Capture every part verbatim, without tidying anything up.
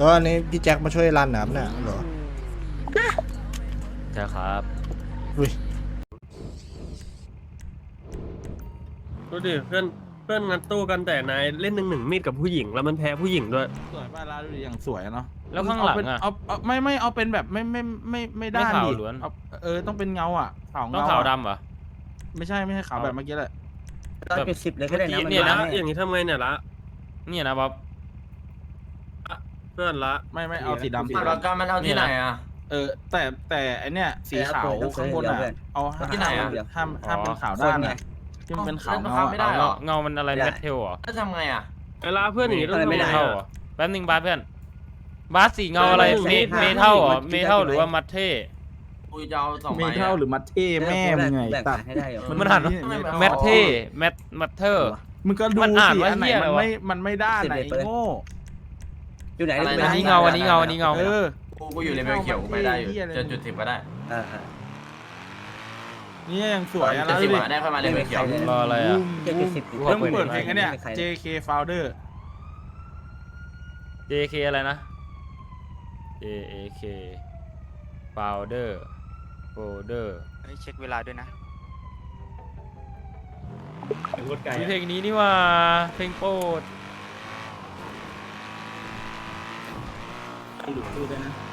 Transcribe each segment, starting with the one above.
ก็อันนี้พี่แจ็คมาช่วยรันนะครับเนี่ยเหรอใช่ครับอุ้ยดูดิเพื่อนเพื่อนงัดตู้กันแต่นายเล่นหนึ่งหนึ่งมีดกับผู้หญิงแล้วมันแพ้ผู้หญิงด้วยสวยป่ะร้านดูอย่างสวยเนาะแล้วข้างหลังอ่ะเอาเอาไม่ไม่เอาเป็นแบบไม่ไม่ไม่ไม่ด้านดิเออต้องเป็นเงาอ่ะขาวเงาต้องขาวดำเหรอไม่ใช่ไม่ใช่ขาวแบบเมื่อกี้แหละตอนจุดสิบเลยก็ได้นะมันเนี่ยนะอย่างนี้ทำไมเนี่ยละเนี่ยนะบ๊อบเพื่อนละไม่ไม่เอาสีดำสีเราดำการมันเอาที่ไหนอ่ะเออแต่แต่ไอเนี้ยสีขาวข้างบนอ่ะเอาที่ไหนอ่ะห้ามห้ามเป็นขาวด้านไงที่มันเป็นขาวเงาไม่ได้หรอเงามันอะไรเมทัลเหรอจะทำไงอ่ะเวลาเพื่อนหนีต้องไม่ได้เหรอแป๊บนึงบาสเพื่อนบาสสีเงาอะไรเมเมทัลเหรอเมทัลหรือว่ามัตเท่กูจะเอาสองใบเมทัลหรือมัตเท่แม่มึงไงตัดให้ได้มันหันแมทเท่แมทมัตเทอร์มึงก็ดูสิอันไหนมันไม่มันไม่ด้านไหนโง่อยู่ไหนอันนี้เงาอันนี้เงาอันนี้เงาเออกูกูอยู่เลเวลเขียวกูไม่ได้อยู่จนจุดสิบก็ได้นี่ยังสวยอะจุดสิบได้ค่อยมาเลเวลเขียวรออะไรอ่ะเจ็ดสิบเริ่มเปิดเพลงกันเนี่ย เจ เค Founder เจ เค อะไรนะ เจ เค Founder Folder เช็คเวลาด้วยนะมีเพลงนี้นี่ว่าเพลงโปรดหลุดตู้ได้นะ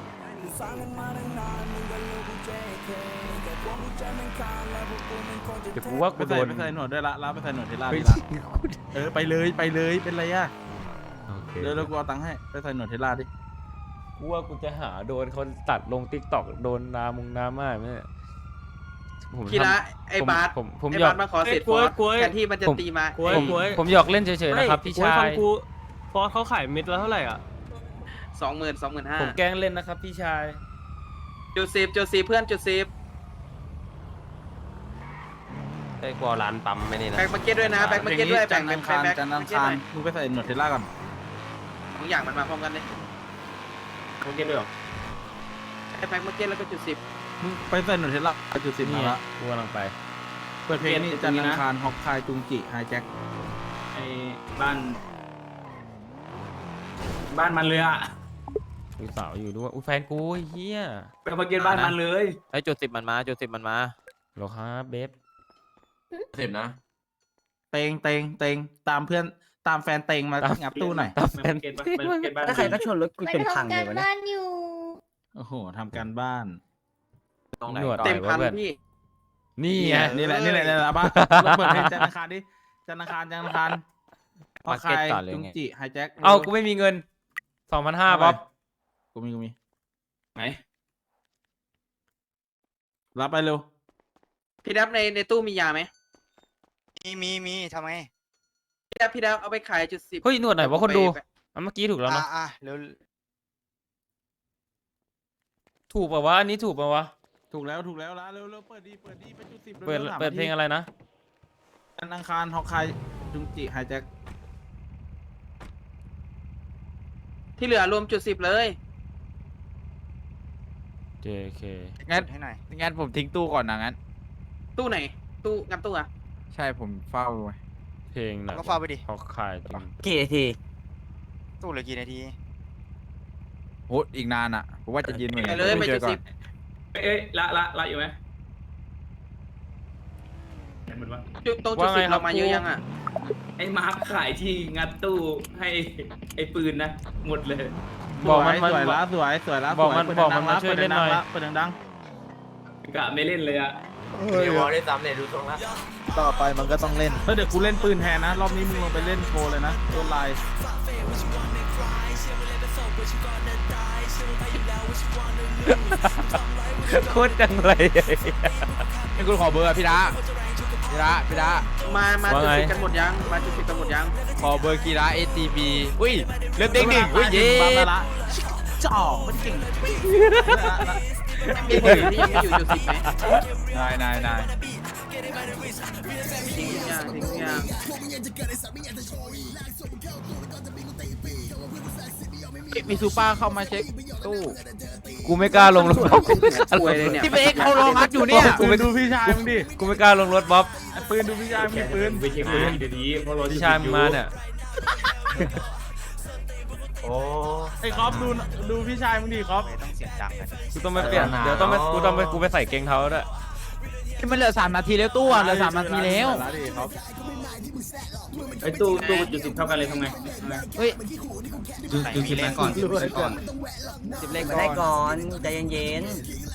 เดี๋ยวกูว่ากูโดนไปใส่หนวดด้วยละลาไปใส่หนวดเทล่าดีละเออไปเลยไปเลยเป็นไรอ่ะเดี๋ยวเรากูเอาตังค์ให้ไปใส่หนวดเทล่าดิกูว่ากูจะหาโดนคนตัดลง ติ๊กต็อก โดนนามุงนาม่าไหมพี่ละไอ้บาสผมผมไอ้หยอบาก สมาขอเสร็จฟอสแทนที่มันจะตีมาผมผมหยอกเล่นเฉยๆนะครับพี่ชายกูฟอสเขาขายเม็ดละเท่าไหร่อ่ะสองหมื่นสองหมื่นห้าผมแกล้งเล่นนะครับพี่ชายจุดสิบจุดสิบเพื่อนจุดสิบไอ้กลัวร้านปั๊มไม่นี่นะแบ็คมาเก็ตด้วยนะแบ็คมาเก็ตด้วยแบ่งเป็นแบ็คมาเก็ตหน่อยมึงไปใส่หนวดเทล่าก่อนทุกอย่างมันมาพร้อมกันเลยมาเก็ตด้วยหรอไอ้แบ็คมาเก็ตแล้วก็จุดสิบมึงไปใส่หนวดเทล่าจุดสิบมาละกูกำลังไปเปิดเพลงนี่จันทร์อังคารฮอกคายจุงจิไฮแจ็คไอ้บ้านบ้านมันเลยอ่ะมีสาวอยู่ด้วยอุ้ยแฟนกูเฮียไปมาเก็ตบ้านมันเลยไอ้จุดสิบมันมาจุดสิบมันมาหรอครับเบฟสิบนะเตงเตงเตงตามเพื่อนตามแฟนเตงมางับตู้หน่อยตามแฟนถ้าใครก็ชนรถกูเป็นพังเลยวะเนี่ยโอ้โหทำการบ้านหนวดเต็มพันพี่นี่ไงนี่แหละนี่แหละนี่แหละบ้านเปิดเพลงจันทร์อังคารดิจันทร์อังคารจันทร์อังคารฮอกคายจุงจิไฮแจ็คเอากูไม่มีเงินสองพันห้าบ๊อบกูมีกูมีไหนรับไปเร็วพี่ดับในในตู้มียาไหมมีมีมีทำไมพี่ดับพี่ดับเอาไปขายจุดสิบเฮ้ยหนวดไหนวะคนดูเมื่อกี้ถูกแล้วเนาะอ่ะเร็วถูกป่าวะอันนี้ถูกป่าวะถูกแล้วถูกแล้วละเร็วเร็วเปิดดีเปิดดีไปจุดสิบเปิดเปิดเพลงอะไรนะจันทร์อังคารฮอกคายจุงจิไฮแจ็คที่เหลือรวมจุดสิบเลยเจ เคงั้นให้หน่อยงั้นผมทิ้งตู้ก่อนนะงั้นตู้ไหนตู้งันตู้อะใช่ผมเฝ้าไว้เพลงนะก็เฝ้าไปดิเขาขายจริงกี่นาทีตู้เหลือกี่นาทีโหอีกนานอ่ะผมว่าจะยืนเหมือนกันเลยไปจุดสิบเอ้ยละละละอยู่ไหมจุดตรงจุดสิบเรามาเยอะยังอ่ะไอ้มาร์คขายที่งัดตู้ให้ไอ้ปืนนะหมดเลยบอกมันสวยละสวยสวยละบอกมันบอกมันมาช่วยเล่นหน่อยเปิดดังกะไม่เล่นเลยอะเดี๋ยววอลได้ซ้ำเลยดูตรงละต่อไปมันก็ต้องเล่นเดี๋ยวกูเล่นปืนแทนนะรอบนี้มึงลงไปเล่นโชว์เลยนะโคตรไลน์โคตรจังเลยนี่คุณขอเบอร์พี่ดาพี่ดาพี่ดามามาจุดสิบกันหมดยังมาจุดสิบกันหมดยังขอเบอร์กีฬา เอ ที บี อุ้ยเริ่มเด้งหนึ่งอุ้ยเย้จ่อมันเก่งมีคนอื่นที่ยังไม่อยู่จุดสิบไหมนายนายนายทิ้งยางทิ้งยางมีซูเปอร์เข้ามาเช็คตู้กูไม่กล้าลงรถที่เบคเขาลองอัดอยู่เนี่ยกูไปดูพี่ชายมึงดิกูไม่กล้าลงรถบ๊อบปืนดูพี่ชายมีปืนไปเช็คปืนเดี๋ยวนี้เพราะรถพี่ชายมึงมาเนี่ยโอ้ไอ้คอปดูดูพี่ชายมึงดิคอปไม่ต้องเสียงดังกันกูต้องไปเปลี่ยนเดี๋ยวต้องไปกูต้องไปกูไปใส่เกงเท้าด้วยมันเหลือสามนาทีแล้วตู้เหลือสามนาทีแล้วไอ้ตู้ตู้จุดสิบเท่ากันเลยทำไงเฮ้ยดูดูคลิปแรกก่อนดูคลิปก่อนสิบเลขมาก่ได้อนก่อนใจเย็น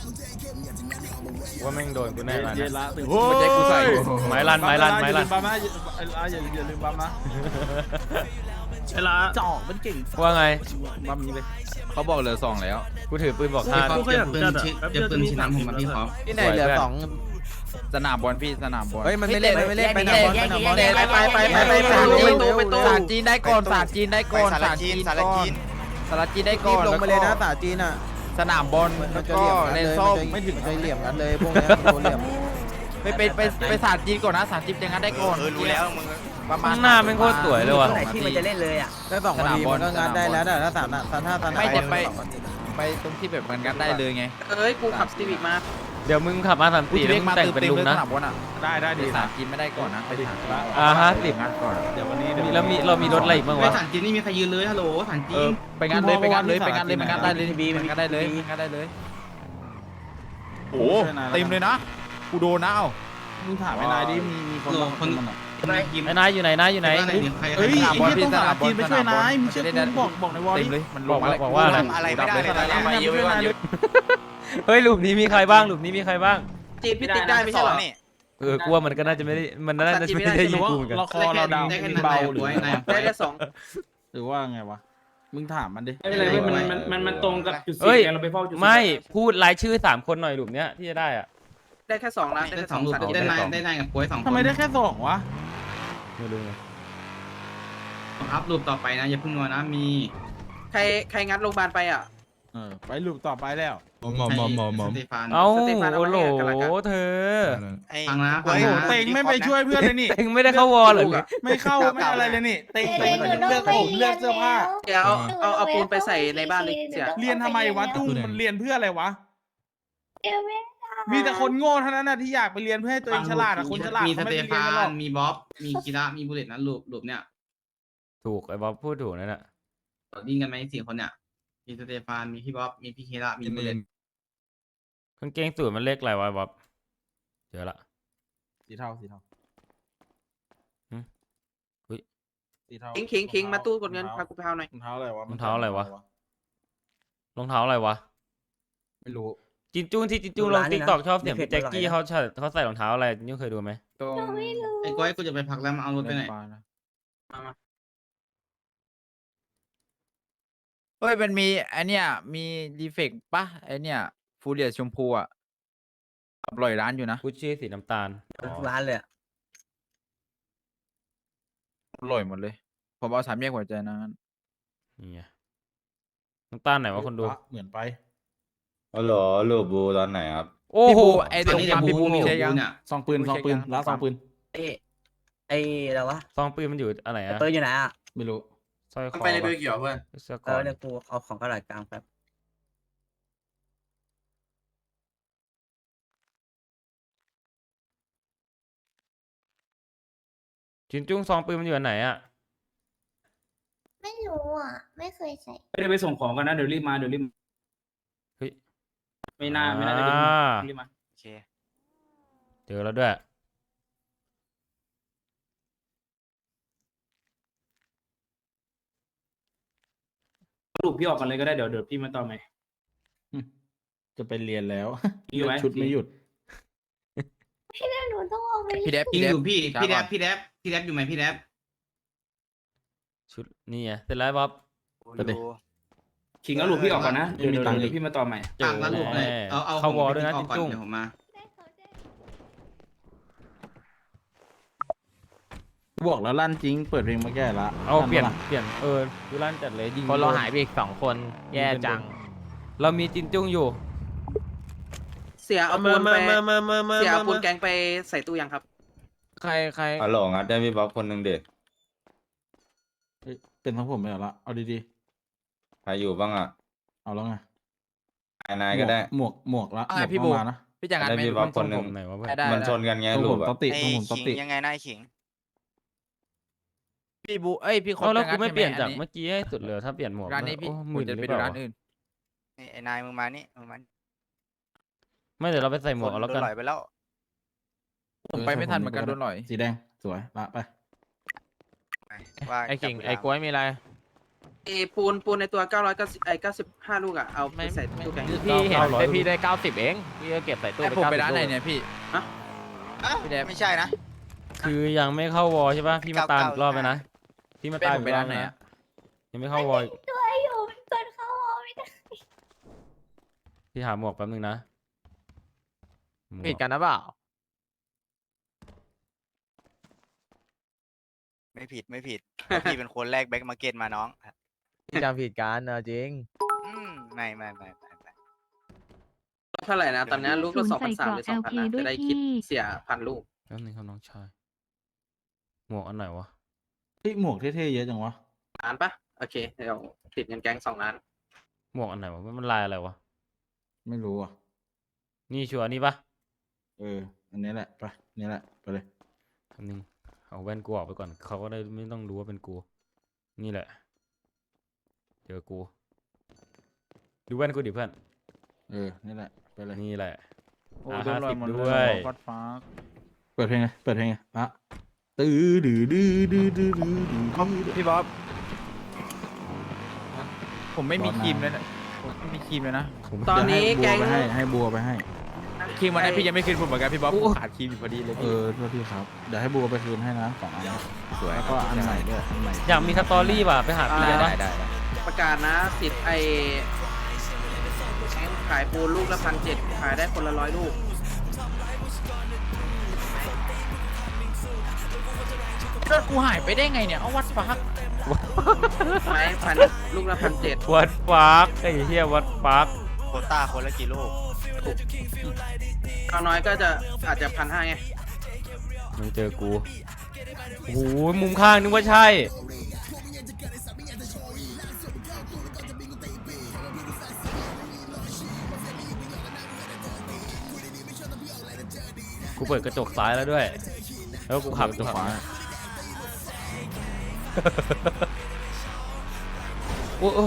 ว่าแม่งโดนกูแน่ละเย็นนะละตื่นมันจะกูใส่ไม้ลั่นไม้ลั่นไม้ลั่นบัมนะอย่าอย่าลืมบัมนะเวลาจ่อมันเก่งว่าไงบัมนี้เลยเขาบอกเหลือสองแล้วกูถือปืนบอกท่ากูก็อยากจัดอะแป๊บเดียวจะมีสามผมมาพี่พร้อมที่ไหนเหลือสองสนามบอลพี่สนามบอลเฮ้ยมันไม่เล่นมันไม่เล่นไปไหนบอลไปไหนบอลไปไปไปไปไปสารจีนได้ก่อนสารจีนได้ไปก่อนสารจีนสารจีนสารจีนได้รีก่อบ นลงไปเลยนะสาจีนอ่ะสนามบอลมันแล้วจะก็เหลี่ยมกันเลยเลนส้มไม่ถึงใจเหลี่ยมกันเลยพวกนี้โดนเหลี่ยมไปไปไปไปสารจีนก่อนนะสารจีนจะงั้นได้ก่อนเออรู้แล้วมึงประมาณข้างหน้าแม่งโคตรสวยๆเลยว่ะไหนที่มันจะเล่นเลยอ่ะได้สองนาทีมันก็งานได้แล้วนะถ้าสามถ้าถ้าสนามไม่จะไปไปตรงที่แบบมันงัดได้เลยไงเอ้ยกูขับสตีวิกมาเดี๋ยวมึงขับมาสามกูสี่จะแล้เรีวยกมึงมาแต่งเติมเป็นเต็มลุงเลยสนะนามบอลอ่ะได้ได้ดีสารจีนไม่ได้ก่อนนะไปถามอ่าฮะสิบงัดก่อนเดี๋ยววันนี้มีแล้วมีเรามีรถอะไรอีกบ้างไม่วะฐานจีนนี่มีใครยืนเลยฮัลโหลฐานจีเออน ไปงานเลยไปงานเลยไปงานเลยมันงัดได้เลยมันงัดได้เลยมันงัดได้เลยโอ้เต็มเลยนะกูโดนนะเอ้ามึงถามไอ้นายดิมีมีคนบ้างคนมันอ่ะไอ้นายอยู่ไหนนายอยู่ไหนเฮ้ยสนามบอลไอ้พี่ต้องสสานามบอลจีนไปช่วยนายมึงเชื่อกูบอกบอกในวอลเต็ดิมเลยมันลบอกงมาว่าบอกว่าอะไรทำอะไรไม่ได้เลยตอนเนี้ยมาเยอะไปมาเยอะเฮ้ยหลุมนี้มีใครบ้างหลุมนี้มีใครบ้างจีนพี่ติ๊กได้ไม่ใช่เหรอนี่เออกลัวมันก็น่าจะไม่ได้มันน่าจะไม่ได้ยิงกูเหมือนกันเราคอเราดาวได้แค่มีนั้นเบาหรือได้แค่สองหรือว่าไงวะมึงถามมันดิไม่เป็นไรเว้ยมันมันมันมันตรงกับจุดเอ้สี่ยเราไปเฝ้าจุดสี่ไม่พูดรายชื่อสามคนหน่อยหลุมเนี้ยที่จะได้อ่ะได้แค่สองล้านได้แค่สองสัตว์ได้ได้นายได้นายกับป่วยสองทำไมได้แค่สองวะไม่รู้ไงอัพรูปต่อไปนะอย่าพึ่งงอนะมีใครใครงัดโรงพยาบาลไปอ่ะเออไปลูกต่อไปแล้วมอมมอมมอมมอมสเตฟานเอ้าสเตฟานโอ้เอาโหไว้ให้กันละกันเธอไอ้ฟังนะเฮ้ยโอ้โหเต็งไม่ไปช่วยเพื่อนเลยนี่เองไม่ได้เข้าวอลเหรอไม่เข้าไม่อะไรเลยนี่เต็งเต็งเลือกผมเลือกเสื้อผ้าเดี๋ยวเอาเอาเอาปูนไปใส่ในบ้านเลยเสียเรียนทำไมวะตู้มันเรียนเพื่ออะไรวะเดี๋ยวไม่มีแต่คนโง่เท่านั้นนะที่อยากไปเรียนเพื่อให้ตัวเองฉลาดอะคนฉลาดมีสเขาไม่เตได้เรียนฟากันหรอน กมีบ๊อบมีกีระมีบุลเลตนะรูปรูปเนี่ยถูกไอ้บ๊อบพูดถูกนั่นแหละดิ้งกันไหมสี่คนเนี่ยมีสเตฟานมีพี่บ๊อบมีพี่เคระมีบุลเลตกางเกงสูทมันเลขอะไรวะบ๊อบเจอละสีเทาสีเทาหืมอุ๊ยสีเทาคิงคิงคิงมาตู้กดเงินพากูไปเอาหน่อยรองเท้าอะไรวะรองเท้าอะไรวะ รองเท้าอะไรวะไม่รู้จินจุ้งที่จินจุ้งลงติ๊กตอกชอบเสียงพี่แจ็คกี้เขาใส่เขาใส่รองเท้าอะไรจินจุ้งเคยดูไหมตรงไอ้ก้อยกูจะไปพักแล้วมาเอารถไปไหนเฮ้ยมันมีไอเนี้ยมีดีเฟกต์ปะไอเนี้ยฟูเรียชมพูอ่ะอร่อยร้านอยู่นะกุชชี่สีน้ำตาลทุกร้านเลยอะอร่อยหมดเลยผมเอาสามแยกหัวใจนะงั้นนี่ไงน้ำตาลไหนวะคนดูเหมือนไปอ๋อเหรอลูบูตอนไหนครับโอ้โหไอตตอรนงนี้ปั๊มบูพี่บูมีมีขใช่องยังกูเนี่ยซองปืนซองปืนร้านซองปืนเอ้ไอ้อะไรวะซองปืนมันอยู่อะไรไอ้อะเปิดอยู่ไหนอ่ะไม่รู้สร้อยคอไปในเบปะลเขียวเพื่อนเสื้อเอก่ออน เนี่ยกูเอาของกระดาษกลางแป๊บจินจุ้งซองปืนมันอยู่อันไหนอะไม่รู้อ่ะ ไม่เคยใส่ไม่ได้ไปส่งของกันนะเดี๋ยวรีบมาเดี๋ยวรีบเฮ้ยไม่น่าไม่น่าจะอ่ารีบมาโอเคเจอแล้วด้วยสรุปพี่ออกกันเลยก็ได้เดี๋ยวเดี๋ยวพี่มาต่อใหม่จะไปเรียนแล้วอยู่ไหมชุดไม่หยุดพี่แม่หนูต้องออกไปพี่แดบยิพี่งแดอบ ยู่พี่ช้าพี่แดก่บอนพี่แดบพี่แดบอยู่ไหมพี่แดบชุดนี่ไงเสร็จแล้วบ๊อบไปดิดูขิงเอาหลุมพี่ออกก่อนนะเดี๋ยวไม่มีเดี๋ยวตังค์เดี๋ยวพี่มาต่อใหม่เจอแล้วหลุมเลยแน่เอาเอาเข้าวอลขด้วยนะพี่จินออกก่อจุ้งเดี๋ยวผมมาบอกแล้วลั่นจริง เปิดเพลงมาแก้ละเอาเปลี่ยนลั่ปะเปลี่ยนเออดูลั่นจัดเลยยิงคนเราโดนหายไปอีกสองคนแย่จังเรามีจินจุ้งอยู่เสียเอามาปูนมาไปมามามามาเสียเอาปูนมาแกงไปใส่ตู้ยังครับใครใครอ๋อเหรองัดได้พี่บ๊อบคนหนึ่งเด็ดเฮ้ยเป็นทั้งผมไม่เอาละเอาดีใครอยู่บ้างอ่ะๆเอาแล้วไงนายนายก็ได้หมวกหมวกละอ่ะหมวกพี่บูมานะพี่จังงานได้ไหมพี่บ๊อบคนหนึ่งผมไหนวะเพื่อนได้ได้มันชนกันไงตรงลูผกมอะตอติไอ้ตรงผมตอขิงติยังไงนายขิงพี่บูเอ้ยพี่คเอานแล้วจะกูงัดไม่ใช่หเปลี่ยนจากอัเมื่อกี้ให้สุดเลยถ้าเปลี่ยนหมวกร้านนี้พี่โอ้หผมื่มนจะหไปรือเปดูล่าร้านอื่นนี่ไอ้นายมึงมานี่มึงมาไม่เดี๋ยวเราไปใส่หมวกเอาแล้วกันโดนหลอยไปแล้วผมไปไม่ทันเหมือนกันโดนหน่อยสีแดงสวยละไปว่าไอ้กิ่งจับเวลาไอ้กล้วยมีอะไรเอปูนปูนในตัวเก้าร้อยเก้าสิบไอ้เก้าสิบห้าลูกอ่ะเอาไปใส่ตู้แกงพี่เห็นแต่พี่ได้เก้าสิบเองพี่ก็เก็บใส่ตู้ไอ้ผมไปเก้สิบร้านไหนเนี่ยพี่อ้าวพี่แดงไม่ใช่นะคือยังไม่เข้าวอลใช่ป่ะพี่มาตามอีกรอบไปนะพี่มาตามผมอีไปกรอร้าบนไหนนะอะยังไม่เข้าวอลตัวอยู่มันกดเข้าออกไม่ได้พี่หาหมวกแป๊บนึงนะหมวผิดกันนะเปล่าไม่ผิดไม่ผิดเพราะพี่เป็นคนแรกแบ็คมาร์เก็ตมาน้องจำผิดกันเออจริงอืมไม่ไม่ไม่ไม่ไม่เท่าไหร่นะตอนนี้ลูกละสองพันสามหรือสองพันนะจะได้คิดเสียพันลูกแป๊บนึงครับน้องชายหมวกอันไหนวะเฮ้ยหมวกเท่ๆเยอะจังวะล้านปะโอเคเดี๋ยวติดเงินแก๊งสองล้านหมวกอันไหนวะมันลายอะไรวะไม่รู้อ่ะนี่ชัวร์นี่ปะเอออันนี้แหละไปนี่แหละไปเลยแป๊บนึงเอาแว่นกูออกไปก่อนเขาก็ได้ไม่ต้องรู้ว่าเป็นกูนี่แหละเจอกูดูแว่นกูดิเพื่อนเออนี่แหละไปเลยนี่แหละโอ้อ่ะโดนลอย 50 หมดด้วยฟัดฟ้าเปิดเพลงไงเปิดเพลงไงอ่ะตื้อดื้อดื้อดื้อดื้อดื้อดื้อพี่บ๊อบผมไม่มีครีมเลยนะผมไม่มีครีมเลยนะตอนนี้เดี๋แก๊ยวงให้บัวไปให้ให้บัวไปให้ครีมวันนั้นพี่ยังไม่คืนผมเหมือนกันพี่บ๊อบผมขาดครีมอยู่พอดีเลยเอพี่อโทษทีครับเดี๋ยวให้บัวไปคืนให้นะสองอันสวยแล้วก็อันใหม่ด้วยอันใหม่อยากมีสตอรี่ป่ะไปหาพี่ได้ได้ได้ปะได้ประกาศนะสิทธิ์ไอ้แก๊งขายปูนลูกละพันเจ็ดขายได้คนละร้อยลูกเลือดกูหายไปได้ไงเนี่ยเอาวัดฟักไม้พันลูกละพันเจ็ดวัดฟักไอ้เหี้ยวัดฟักโควต้าคนละกี่ลูกเอาน้อยก็จะอาจจะพันห้าไงไม่เจอกูโอ้โหมุมข้างนึกว่าใช่กูเปิดกระจกซ้ายแล้วด้วย แล้วกูขับกระจกขวาโอ้โอ้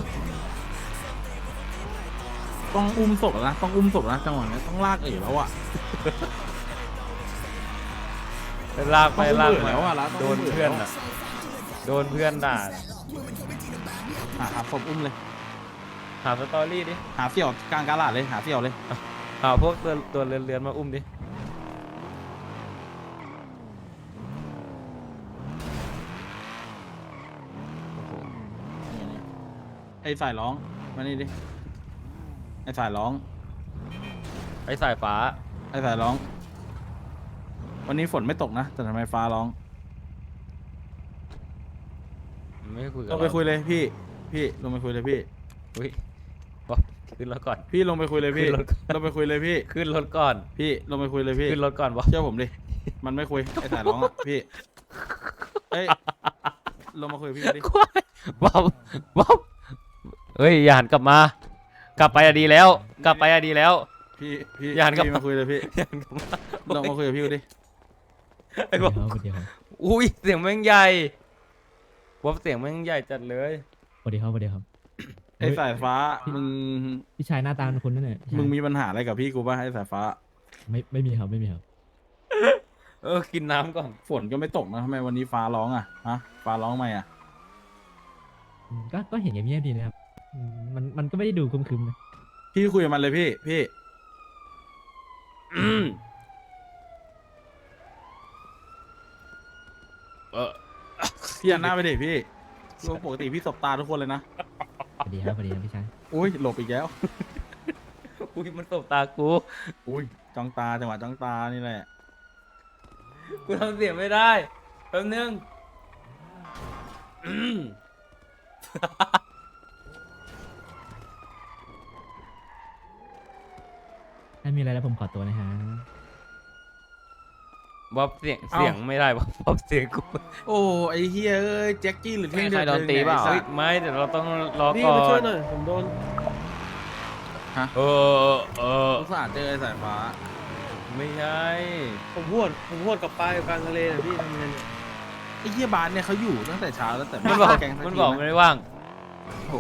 ต้องอุ้มศพแล้วนะต้องอุ้มศพแล้วนะจังหวะนี้ต้องลากเอ๋แล้วอ่ะลากไปลากต้องอุ้มเอ๋มาแล้วอ่ะแล้วโดนเพื่อนอ่ะโดนเพื่อนด่าหาหาศพอุ้มเลยหาสตอรี่ดิหาเสี่ยวกลางกาลาดเลยหาเสี่ยวเลยหาพวกตัวตัวเรือนๆมาอุ้มดิไอ้สายร้องมานี่ดิไอ้สายร้องไอ้สายฟ้าไอ้สายร้อง วันนี้ฝนไม่ตกนะแต่ทำไมฟ้าร้องไม่คุยกับลงไปคุยเลยพี่พี่ลงไปคุยเลยพี่อุ้ยบอกขึ้นรถก่อนพี่ลงไปคุยเลยพี่ขึ้นรถก่อนลงไปคุยเลยพี่ขึ้นรถก่อนพี่ลงไปคุยเลยพี่ขึ้นรถก่อนบอกเชื่อผมดิมันไม่คุยไอ้สายร้องอ่ะพี่เอ้ยลงมาคุยกับพี่ดิควายบ๊อบบ๊อบเฮ้ยอย่าหันกลับมา กลับไปอะดีแล้ว กลับไปอะดีแล้วพี่พี่อย่าหันกลับพี่มาคุยเลยพี่อย่าหันกลับมาลงมาคุยกับพี่ดิไอ้บ๊อบอุ้ยเสียงแม่งใหญ่บ๊อบเสียงแม่งใหญ่จัดเลยสวัสดีครับสวัสดีครับไอ้สายฟ้ามึงพี่ชายหน้าตาเป็นคนนั่นแหละพี่ชายมึงมีปัญหาอะไรกับพี่กูป่ะไอ้สายฟ้าไม่ไม่มีครับไม่มีครับเออกินน้ำก่อนฝนก็ไม่ตกนะทำไมวันนี้ฟ้าร้องอ่ะฮะฟ้าร้องไหมอ่ะอืมก็ก็เห็นอย่างเงียบๆดีนะครับอืมมันมันก็ไม่ได้ดูครึมๆนะพี่คุยกับมันเลยพี่พี่อืมเออพี่หันหน้าไปดิพี่ปกติพี่สบตาทุกคนเลยนะสวัสดีครับสวัสดีครับพี่ชายอุ้ยหลบอีกแล้วอุ้ยมันตบตากูอุ้ยจ้องตาจังหวะจ้องตานี่แหละกูทำเสียงไม่ได้แป๊บนึงอืมถ้ามีอะไรแล้วผมขอตัวนะฮะบ๊อบเสียงเสียงไม่ได้บ๊อบบ๊อบเสียงกูโอ้ไอ้เฮียเอ้ยแจ็คกี้หรือเท่งใครโดนตีเปล่าเฮ้ยไม่เดี๋ยวเราต้องรอพี่ก่อมาช่วยนหน่อยผมโดนเออเออสงสารเจอไอ้สายฟ้าไม่ใช่ผมพวดผมพวดกับปลาอยู่กลางทะเลนะพี่ทำไงเนี่ยไอ้เหี้ยบาสเนี่ยเขาอยู่ตั้งแต่เช้าแล้วแต่มันบอกแกงสัมันทีบอกนะไม่ได้ว่าง